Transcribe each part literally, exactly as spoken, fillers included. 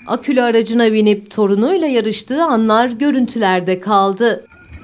Akülü aracına binip torunuyla yarıştığı anlar görüntülerde kaldı.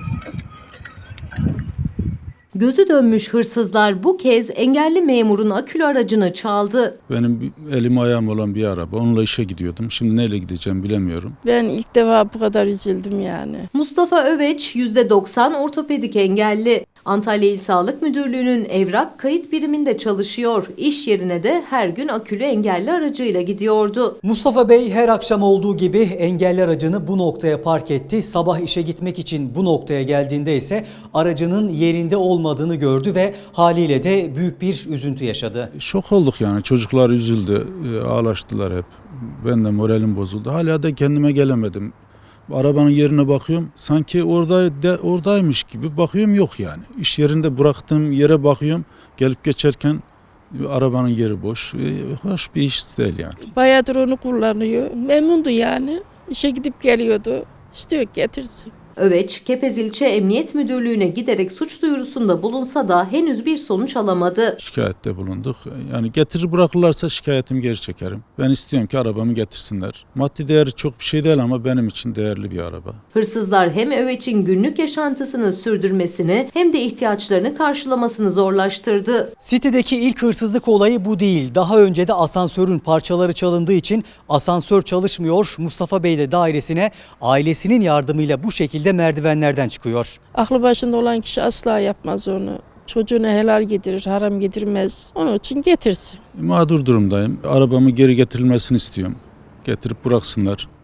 Gözü dönmüş hırsızlar bu kez engelli memurun akülü aracını çaldı. Benim elim ayağım olan bir araba. Onunla işe gidiyordum. Şimdi neyle gideceğim bilemiyorum. Ben ilk defa bu kadar üzüldüm yani. Mustafa Öveç yüzde doksan ortopedik engelli. Antalya İl Sağlık Müdürlüğü'nün evrak kayıt biriminde çalışıyor. İş yerine de her gün akülü engelli aracıyla gidiyordu. Mustafa Bey her akşam olduğu gibi engelli aracını bu noktaya park etti. Sabah işe gitmek için bu noktaya geldiğinde ise aracının yerinde olmadığını gördü ve haliyle de büyük bir üzüntü yaşadı. Şok olduk yani. Çocuklar üzüldü. Ağlaştılar hep. Ben de moralim bozuldu. Hala da kendime gelemedim. Arabanın yerine bakıyorum. Sanki orada de, oradaymış gibi bakıyorum, yok yani. İş yerinde bıraktığım yere bakıyorum. Gelip geçerken arabanın yeri boş. Hoş bir iş değil yani. Bayağıdır onu kullanıyor. Memnundu yani. İşe gidip geliyordu. İstiyor getirsin. Öveç, Kepez İlçe Emniyet Müdürlüğü'ne giderek suç duyurusunda bulunsa da henüz bir sonuç alamadı. Şikayette bulunduk. Yani getirir bırakırlarsa şikayetimi geri çekerim. Ben istiyorum ki arabamı getirsinler. Maddi değeri çok bir şey değil ama benim için değerli bir araba. Hırsızlar hem Öveç'in günlük yaşantısını sürdürmesini hem de ihtiyaçlarını karşılamasını zorlaştırdı. Sitedeki ilk hırsızlık olayı bu değil. Daha önce de asansörün parçaları çalındığı için asansör çalışmıyor. Mustafa Bey de dairesine ailesinin yardımıyla bu şekilde merdivenlerden çıkıyor. Aklı başında olan kişi asla yapmaz onu. Çocuğuna helal yedirir, haram yedirmez. Onun için getirsin. Mağdur durumdayım. Arabamı geri getirilmesini istiyorum. Getirip bıraksınlar.